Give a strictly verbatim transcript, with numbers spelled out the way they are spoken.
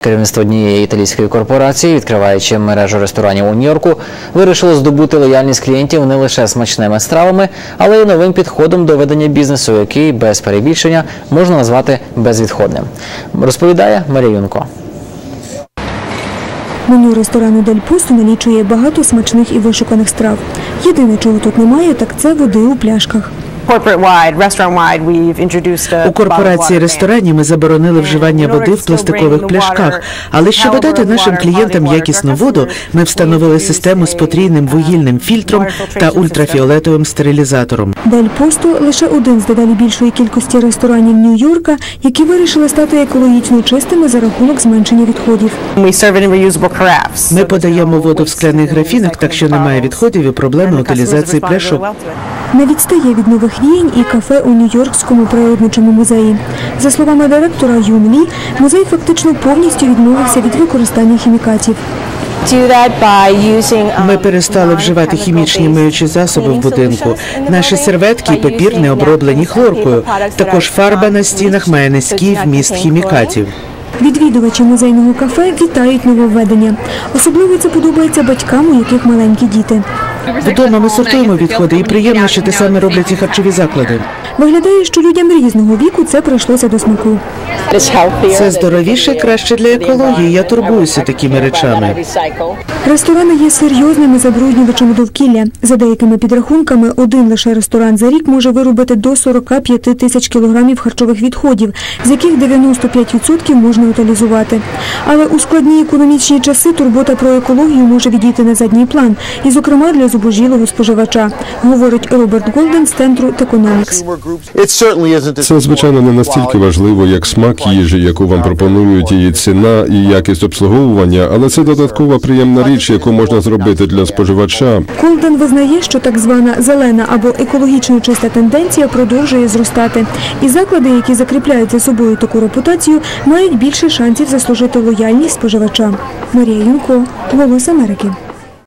Керівництво однієї італійської корпорації, відкриваючи мережу ресторанів у Нью-Йорку, вирішило здобути лояльність клієнтів не лише смачними стравами, але й новим підходом до ведення бізнесу, який, без перебільшення, можна назвати безвідходним. Розповідає Марія Юнко. Меню ресторану «Дель Посто» налічує багато смачних і вишуканих страв. Єдине, чого тут немає, так це води у пляшках. У корпорації ресторанів ми заборонили вживання води в пластикових пляшках, але щоб додати нашим клієнтам якісну воду, ми встановили систему з потрійним вугільним фільтром та ультрафіолетовим стерилізатором. «Дель Посто» – лише один з дедалі більшої кількості ресторанів Нью-Йорка, які вирішили стати екологічно чистими за рахунок зменшення відходів. Ми подаємо воду в скляних графінах, так що немає відходів і проблеми утилізації пляшок. Не відстає від нових віянь і кафе у Нью-Йоркському природничому музеї. За словами директора Юн Лі, музей фактично повністю відмовився від використання хімікатів. Ми перестали вживати хімічні миючі засоби в будинку. Наші серветки і папір не оброблені хлоркою. Також фарба на стінах має низький вміст хімікатів. Відвідувачі музейного кафе вітають нововведення. Особливо це подобається батькам, у яких маленькі діти. Вдома ми сортуємо відходи, і приємно, що те саме роблять і харчові заклади. Виглядає, що людям різного віку це прийшлося до смаку. Це здоровіше і краще для екології. Я турбуюся такими речами. Ресторани є серйозними забруднювачами довкілля. За деякими підрахунками, один лише ресторан за рік може виробити до сорока п'яти тисяч кілограмів харчових відходів, з яких дев'яносто п'ять відсотків можна утилізувати. Але у складні економічні часи турбота про екологію може відійти на задній план, і, зокрема, для зубожілого споживача, говорить Роберт Голден з центру Techonomics. Це, звичайно, не настільки важливо, як смак їжі, яку вам пропонують, її ціна і якість обслуговування, але це додаткова приємна річ, яку можна зробити для споживача. Голден визнає, що так звана зелена або екологічно чиста тенденція продовжує зростати. І заклади, які закріпляють за собою таку репутацію, мають більше шансів заслужити лояльність споживача. Марія Юнко, «Голос Америки».